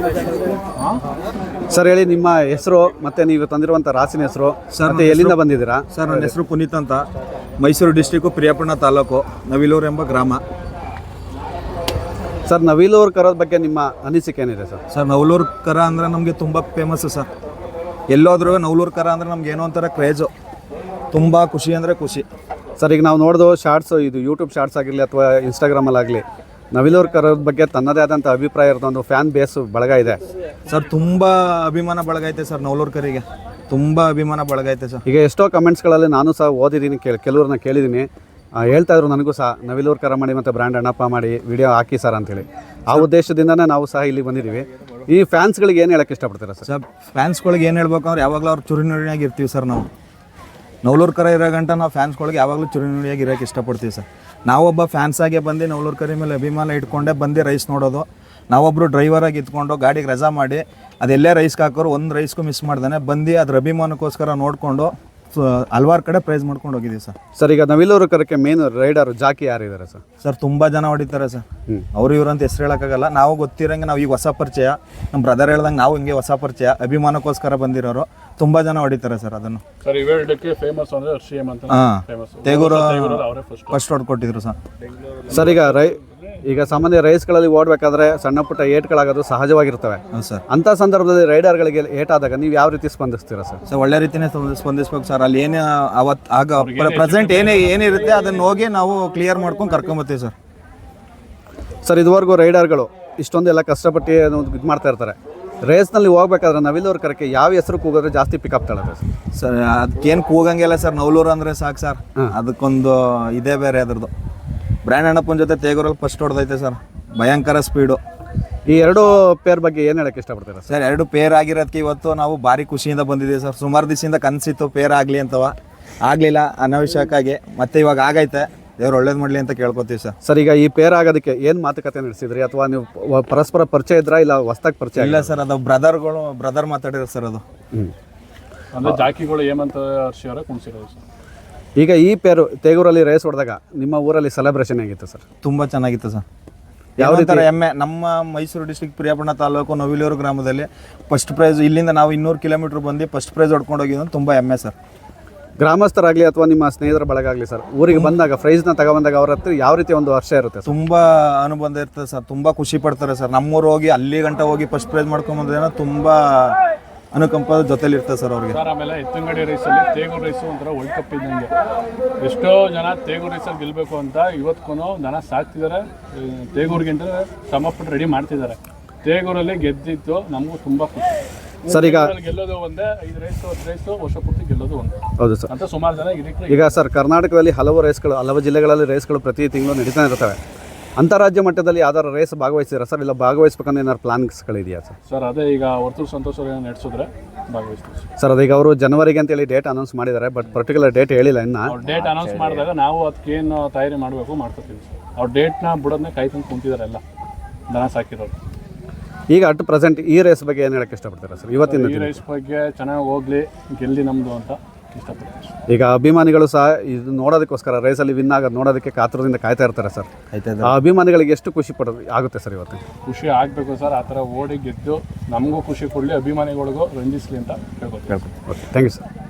Sir ಹೇಳಿ ನಿಮ್ಮ ಹೆಸರು ಮತ್ತು ನೀವು ತಂದಿರುವಂಥ ರಾಸಿನ ಹೆಸರು ಸರ್, ಮತ್ತು ಎಲ್ಲಿಂದ ಬಂದಿದ್ದೀರಾ? ಸರ್ ನನ್ನ ಹೆಸರು ಪುನೀತ್ ಅಂತ, ಮೈಸೂರು ಡಿಸ್ಟಿಕ್ಕು ಪ್ರಿಯಾಪಣ್ಣ ತಾಲೂಕು, ನವಿಲೂರು ಎಂಬ ಗ್ರಾಮ. ಸರ್ ನವಿಲೂರು ಕರೋದ ಬಗ್ಗೆ ನಿಮ್ಮ ಅನಿಸಿಕೆ ಏನಿದೆ ಸರ್? ಸರ್ ನವಲೂರು ಕರ ಅಂದರೆ ನಮಗೆ ತುಂಬ ಫೇಮಸ್ಸು ಸರ್. ಎಲ್ಲೋದ್ರೂ ನವಲೂರು ಕರ ಅಂದರೆ ನಮ್ಗೆ ಏನೋ ಒಂಥರ ಕ್ರೇಜು, ತುಂಬ ಖುಷಿ ಅಂದರೆ ಖುಷಿ. ಸರ್ ಈಗ ನಾವು ನೋಡೋದು ಶಾರ್ಟ್ಸು, ಇದು ಯೂಟ್ಯೂಬ್ ಶಾರ್ಟ್ಸ್ ಆಗಿರಲಿ ಅಥವಾ ಇನ್ಸ್ಟಾಗ್ರಾಮಲ್ಲಾಗಲಿ, ನವಿಲೂರು ಕರೋದ ಬಗ್ಗೆ ತನ್ನದೇ ಆದಂಥ ಅಭಿಪ್ರಾಯ ಇರೋದು ಒಂದು ಫ್ಯಾನ್ ಬೇಸ್ ಬಳಗ ಇದೆ ಸರ್. ತುಂಬ ಅಭಿಮಾನ ಬಳಗ ಐತೆ ಸರ್ ನವಲೂರು ಕರಿಗೆ, ತುಂಬ ಅಭಿಮಾನ ಬಳಗ ಐತೆ ಸರ್. ಈಗ ಎಷ್ಟೋ ಕಮೆಂಟ್ಸ್ಗಳಲ್ಲಿ ನಾನು ಸಹ ಓದಿದ್ದೀನಿ, ಕೆಲವ್ರನ್ನ ಕೇಳಿದ್ದೀನಿ, ಹೇಳ್ತಾಯಿದ್ರು ನನಗೂ ಸಹ ನವಿಲೂರು ಕರ ಮಾಡಿ ಮತ್ತು ಬ್ರ್ಯಾಂಡ್ ಅಣ್ಣಪ್ಪ ಮಾಡಿ ವಿಡಿಯೋ ಹಾಕಿ ಸರ್ ಅಂತೇಳಿ. ಆ ಉದ್ದೇಶದಿಂದನೇ ನಾವು ಸಹ ಇಲ್ಲಿ ಬಂದಿದ್ದೀವಿ. ಈ ಫ್ಯಾನ್ಸ್ಗಳಿಗೆ ಏನು ಹೇಳೋಕ್ಕೆ ಇಷ್ಟಪಡ್ತೀರಾ ಸರ್? ಸರ್ ಫ್ಯಾನ್ಸ್ಗಳಿಗೆ ಏನು ಹೇಳ್ಬೇಕು ಅಂದ್ರೆ ಯಾವಾಗಲೂ ಅವ್ರು ಚುರುನುಡಿಯಾಗಿ ಇರ್ತೀವಿ ಸರ್. ನಾವು ನವಲೂರು ಕರ ಇರೋ ಗಂಟ ನಾವು ಫ್ಯಾನ್ಸ್ಗಳಿಗೆ ಯಾವಾಗಲೂ ಚುರುನುಡಿಯಾಗಿ ಇರೋಕ್ಕೆ ಇಷ್ಟಪಡ್ತೀವಿ ಸರ್. ನಾವೊಬ್ಬ ಫ್ಯಾನ್ಸಾಗೆ ಬಂದು ನವಲೂರು ಕರಿ ಮೇಲೆ ಅಭಿಮಾನ ಇಟ್ಕೊಂಡೆ ಬಂದು ರೈಸ್ ನೋಡೋದು. ನಾವೊಬ್ಬರು ಡ್ರೈವರಾಗಿ ಇದ್ಕೊಂಡು ಗಾಡಿಗೆ ರಜಾ ಮಾಡಿ ಅದೆಲ್ಲೇ ರೈಸ್ಗೆ ಹಾಕೋರು ಒಂದು ರೈಸ್ಗೂ ಮಿಸ್ ಮಾಡ್ದಾನೆ ಬಂದು ಅದ್ರ ಅಭಿಮಾನಕ್ಕೋಸ್ಕರ ನೋಡಿಕೊಂಡು ಹಲ್ವಾರು ಕಡೆ ಪ್ರೈಸ್ ಮಾಡ್ಕೊಂಡು ಹೋಗಿದ್ದೀವಿ ಸರ್. ಸರ್ ಈಗ ನವಿಲೂರು ಕರಕ್ಕೆ ಮೇನ್ ರೈಡರು ಜಾಕಿ ಯಾರಿದ್ದಾರೆ ಸರ್? ಸರ್ ತುಂಬ ಜನ ಹೊಡಿತಾರೆ ಸರ್. ಅವರು ಇವರು ಅಂತ ಹೆಸರು ಹೇಳೋಕ್ಕಾಗಲ್ಲ. ನಾವು ಗೊತ್ತಿರೋಂಗೆ ನಾವು ಈಗ ಹೊಸ ಪರಿಚಯ, ನಮ್ಮ ಬ್ರದರ್ ಹೇಳ್ದಂಗೆ ನಾವು ಹಿಂಗೆ ಹೊಸ ಪರಿಚಯ, ಅಭಿಮಾನಕ್ಕೋಸ್ಕರ ಬಂದಿರೋರು ತುಂಬ ಜನ ಹೊಡಿತಾರೆ ಸರ್. ಅದನ್ನು ಸರ್ ಇವೆರಡಕ್ಕೆ ಫೇಮಸ್ ಅಂದರೆ RCM ಅಂತ ತೇಗೂರು ಫಸ್ಟ್ ಹೊಡ್ಕೊಟ್ಟಿದ್ರು ಸರ್. ಸರ್ ಈಗ ಸಾಮಾನ್ಯ ರೈಸ್ಗಳಲ್ಲಿ ಓಡಬೇಕಾದ್ರೆ ಸಣ್ಣ ಪುಟ್ಟ ಏಟ್ಗಳಾಗೋದು ಸಹಜವಾಗಿರ್ತವೆ ಸರ್. ಅಂಥ ಸಂದರ್ಭದಲ್ಲಿ ರೈಡರ್ಗಳಿಗೆ ಏಟಾದಾಗ ನೀವು ಯಾವ ರೀತಿ ಸ್ಪಂದಿಸ್ತೀರಾ ಸರ್? ಸರ್ ಒಳ್ಳೆ ರೀತಿಯೇ ಸ್ಪಂದಿಸ್ಬೇಕು ಸರ್. ಅಲ್ಲಿ ಏನು ಅವತ್ತು ಆಗ ಪ್ರೆಸೆಂಟ್ ಏನಿರುತ್ತೆ ಅದನ್ನು ಹೋಗಿ ನಾವು ಕ್ಲಿಯರ್ ಮಾಡ್ಕೊಂಡು ಕರ್ಕೊಂಬರ್ತೀವಿ ಸರ್. ಸರ್ ಇದುವರೆಗೂ ರೈಡರ್ಗಳು ಇಷ್ಟೊಂದೆಲ್ಲ ಕಷ್ಟಪಟ್ಟು ಇದು ಮಾಡ್ತಾ ಇರ್ತಾರೆ. ರೇಸ್ನಲ್ಲಿ ಹೋಗ್ಬೇಕಾದ್ರೆ ನವಿಲೂರು ಕರಕ್ಕೆ ಯಾವ ಹೆಸರು ಕೂಗಿದ್ರೆ ಜಾಸ್ತಿ ಪಿಕಪ್ ತಗೊಳುತ್ತೆ ಸರ್? ಅದಕ್ಕೇನು ಕೂಗಂಗಿಲ್ಲ ಸರ್, ನವಲೂರು ಅಂದರೆ ಸಾಕು ಸರ್. ಅದಕ್ಕೊಂದು ಇದೇ ಬೇರೆ ಅದ್ರದ್ದು. ಬ್ರ್ಯಾಂಡ್ ಅಣ್ಣಪ್ಪನ ಜೊತೆ ತೇಗೂರಲ್ಲಿ ಫಸ್ಟ್ ಹೊಡೆದೈತೆ ಸರ್, ಭಯಂಕರ ಸ್ಪೀಡು. ಈ ಎರಡು ಪೇರ್ ಬಗ್ಗೆ ಏನು ಹೇಳಕ್ಕೆ ಇಷ್ಟಪಡ್ತೀರಾ ಸರ್? ಎರಡು ಪೇರ್ ಆಗಿರೋದಕ್ಕೆ ಇವತ್ತು ನಾವು ಭಾರಿ ಖುಷಿಯಿಂದ ಬಂದಿದ್ದೀವಿ ಸರ್. ಸುಮಾರು ದಿವಸದಿಂದ ಕನಸಿತ್ತು ಪೇರ್ ಆಗಲಿ ಅಂತವ, ಆಗಲಿಲ್ಲ ಅನಾವಶ್ಯಕ್ಕಾಗಿ, ಮತ್ತೆ ಇವಾಗ ಆಗೈತೆ. ದೇವ್ರು ಒಳ್ಳೇದು ಮಾಡಲಿ ಅಂತ ಕೇಳ್ಕೊತೀವಿ ಸರ್. ಸರ್ ಈಗ ಈ ಪೇರ್ ಆಗೋದಕ್ಕೆ ಏನು ಮಾತುಕತೆ ನಡೆಸಿದ್ರಿ, ಅಥವಾ ನೀವು ಪರಸ್ಪರ ಪರಿಚಯ ಇದ್ರಾ ಇಲ್ಲ ಹೊಸ್ದಾಗಿ ಪರಿಚಯ? ಇಲ್ಲ ಸರ್, ಅದು ಬ್ರದರ್ ಮಾತಾಡಿರೋ ಸರ್. ಅದು ಅಂದರೆ ಜಾಕಿಗಳು ಹೇಮಂತ್ ಹರ್ಷಿ ಅವರೇ ಕುಣಿಸಿರೋದು ಸರ್. ಈಗ ಈ ಪೇರು ತೇಗೂರಲ್ಲಿ ರೇಸ್ ಹೊಡೆದಾಗ ನಿಮ್ಮ ಊರಲ್ಲಿ ಸೆಲೆಬ್ರೇಷನ್ ಆಗಿತ್ತು ಸರ್? ತುಂಬ ಚೆನ್ನಾಗಿತ್ತು ಸರ್. ಯಾವ ರೀತಿ ಹೆಮ್ಮೆ, ನಮ್ಮ ಮೈಸೂರು ಡಿಸ್ಟ್ರಿಕ್ಟ್ ಪ್ರಿಯಾಪಣ್ಣ ತಾಲೂಕು ನವಿಲೂರು ಗ್ರಾಮದಲ್ಲಿ ಫಸ್ಟ್ ಪ್ರೈಸ್, ಇಲ್ಲಿಂದ ನಾವು 200 ಕಿಲೋಮೀಟ್ರ್ ಬಂದು ಫಸ್ಟ್ ಪ್ರೈಸ್ ಹೊಡ್ಕೊಂಡು ಹೋಗಿದ್ದು ತುಂಬ ಹೆಮ್ಮೆ ಸರ್. ಗ್ರಾಮಸ್ಥರಾಗಲಿ ಅಥವಾ ನಿಮ್ಮ ಸ್ನೇಹಿತರ ಬಳಗ ಆಗಲಿ ಸರ್, ಊರಿಗೆ ಬಂದಾಗ ಪ್ರೈಸ್ನ ತಗೊಬಂದಾಗ ಅವ್ರ ಹತ್ರ ಯಾವ ರೀತಿ ಒಂದು ಹರ್ಷ ಇರುತ್ತೆ? ತುಂಬ ಅನುಬಂಧ ಇರ್ತದೆ ಸರ್, ತುಂಬ ಖುಷಿ ಪಡ್ತಾರೆ ಸರ್. ನಮ್ಮೂರು ಹೋಗಿ ಅಲ್ಲಿ ಗಂಟ ಹೋಗಿ ಫಸ್ಟ್ ಪ್ರೈಸ್ ಮಾಡ್ಕೊಂಬಂದ್ರೆ ತುಂಬ ಅನುಕಂಪ ಜೊತೆಲಿ ಇರ್ತದೆ ಸರ್ ಅವ್ರಿಗೆ. ಸರ್ ಆಮೇಲೆ ಎತ್ತಂಗಡಿ ರೇಸಲ್ಲಿ ತೇಗೂರು ರೇಸು ಒಂಥರ ವರ್ಲ್ಡ್ ಕಪ್ ಇದ್ದಂಗೆ. ಎಷ್ಟೋ ಜನ ತೇಗೂರು ರೇಸಲ್ಲಿ ಗೆಲ್ಲಬೇಕು ಅಂತ ಇವತ್ತಿಗೂ ದನ ಸಾಕ್ತಿದ್ದಾರೆ, ತೇಗೂರಿಗಿಂತ ಶ್ರಮಪಟ್ಟು ರೆಡಿ ಮಾಡ್ತಿದ್ದಾರೆ. ತೇಗೂರಲ್ಲಿ ಗೆದ್ದಿದ್ದು ನಮಗೂ ತುಂಬ ಖುಷಿ ಸರ್. ಈಗ ಗೆಲ್ಲೋದು ಒಂದೇ, 5 ರೇಸು ವರ್ಷ ಪೂರ್ತಿ ಗೆಲ್ಲೋದು ಒಂದೇ. ಹೌದು ಸರ್. ಅಂತ ಸುಮಾರು ಜನ ಈಗ ಸರ್ ಕರ್ನಾಟಕದಲ್ಲಿ ಹಲವು ಜಿಲ್ಲೆಗಳಲ್ಲಿ ರೇಸ್ಗಳು ಪ್ರತಿ ತಿಂಗಳು ನಡೀತಾ ಇರ್ತವೆ. ಅಂತಾರಾಜ್ಯ ಮಟ್ಟದಲ್ಲಿ ಯಾವ್ದಾರು ರೇಸ್ ಭಾಗವಹಿಸಿರ ಸರ್? ಇಲ್ಲ ಭಾಗವಹಿಸ್ಬೇಕಂದ್ರೆ ಏನಾದ್ರು ಪ್ಲಾನ್ಸ್ಗಳಿದೆಯಾ ಸರ್? ಸರ್ ಅದೇ ಈಗ ವರ್ತೂರು ಸಂತೋಷ್ ಅವರು ನಡೆಸಿದ್ರೆ ಭಾಗವಹಿಸ್ತೀವಿ ಸರ್. ಅದೀಗ ಅವರು ಜನವರಿಗೆ ಅಂತೇಳಿ ಡೇಟ್ ಅನೌನ್ಸ್ ಮಾಡಿದ್ದಾರೆ, ಬಟ್ ಪರ್ಟಿಕ್ಯುಲರ್ ಡೇಟ್ ಹೇಳಿಲ್ಲ ಇನ್ನು. ಡೇಟ್ ಅನೌನ್ಸ್ ಮಾಡಿದಾಗ ನಾವು ಅದಕ್ಕೇನು ತಯಾರಿ ಮಾಡಬೇಕು ಮಾಡ್ಕೊತೀವಿ ಸರ್. ಅವ್ರ ಡೇಟ್ನ ಬಿಡೋದನ್ನ ಕಾಯ್ಕೊಂಡು ಕುಂತಿದ್ದಾರೆ ಎಲ್ಲ ದನ ಸಾಕಿರೋರು. ಈಗ ಅಟ್ ಪ್ರೆಸೆಂಟ್ ಈ ರೇಸ್ ಬಗ್ಗೆ ಏನು ಹೇಳಕ್ಕೆ ಇಷ್ಟಪಡ್ತೀರಾ ಸರ್? ಇವತ್ತಿನ ಈ ರೇಸ್ ಬಗ್ಗೆ ಚೆನ್ನಾಗಿ ಹೋಗ್ಲಿ, ಗೆಲ್ಲಿ ನಮ್ಮದು ಅಂತ ಇಷ್ಟಪಡ್ತೀವಿ. ಈಗ ಅಭಿಮಾನಿಗಳು ಸಹ ಇದು ನೋಡೋದಕ್ಕೋಸ್ಕರ ರೇಸಲ್ಲಿ ವಿನ್ ಆಗೋದು ನೋಡೋದಕ್ಕೆ ಕಾತುರದಿಂದ ಕಾಯ್ತಾ ಇರ್ತಾರೆ ಸರ್. ಆ ಅಭಿಮಾನಿಗಳಿಗೆ ಎಷ್ಟು ಖುಷಿ ಆಗುತ್ತೆ ಸರ್ ಇವತ್ತು? ಖುಷಿ ಆಗಬೇಕು ಸರ್. ಆ ಥರ ಓಡಿ ಗೆದ್ದು ನಮಗೂ ಖುಷಿ ಕೊಡಲಿ, ಅಭಿಮಾನಿಗಳಿಗೂ ರಂಜಿಸಲಿ ಅಂತ ಹೇಳ್ಕೊತೀವಿ. Okay, thank you sir.